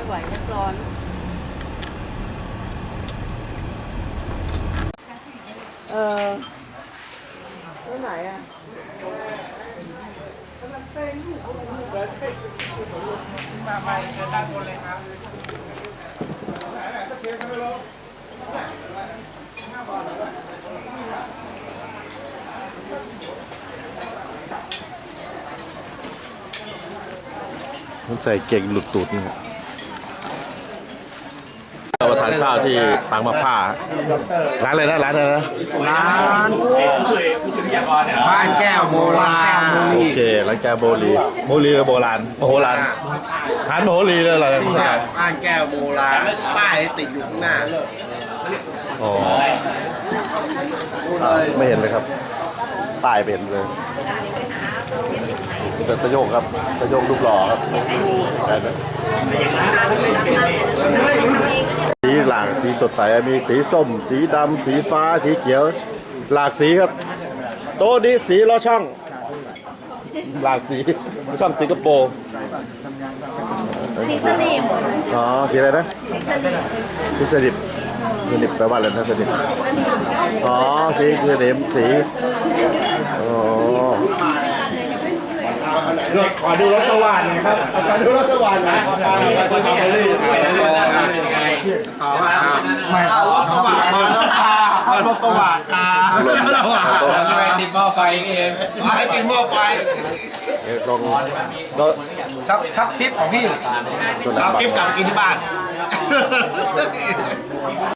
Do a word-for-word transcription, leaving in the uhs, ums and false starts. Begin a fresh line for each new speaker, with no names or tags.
ไหวนักร้อนเออที่ไหนอ่ะ
มาไปเชิญด้านบนเลยครับ
ผมใส่เก่งหลุดตูดนี่เรามาทานข้าวที่ปางมะผ้าร้านอะไรนะร้านอะไรนะ
ร้านบ้านแก้วโบราณ
โอเคร้านแกโบลีโบลีกับโบราณโมโหราณร้านโมโหรีเลยเหรอ
บ้านแก้วโบราณป้ายติดอยู่ข้างหน้า
อ๋อไม่เห็นเลยครับป้ายไม่เห็นเลยแต่ตะโยกครับตะโยกรูปหล่อครับสีหลากสีสดใสมีสีส้ม สีดำสีฟ้าสีเขียว หลากสีครับโต๊ะนี้สีล้อช่องหลากสีช่องสิงคโปร์
สีสนิม
อ๋อสีอะไรนะ
สีสนิม
สีสนิมสนิมแปลว่าอะไรนะสนิม
สนิม
อ๋อสีสนิมสีอ๋อ
ขอดูรถสว่านหน่อยครับขอดูรถสว่านหน่อยขอมาขอมาเลยขอมาไม่เอารถสว่านขอรถพาขอรถสว่านค่ะไม่ติดหม้อไฟนี่เองไม่ติดหม้อไฟ
ลองก็
ชักชักชิปของพี่
ตัวไหน
เอาชิปกลับกินที่บ้าน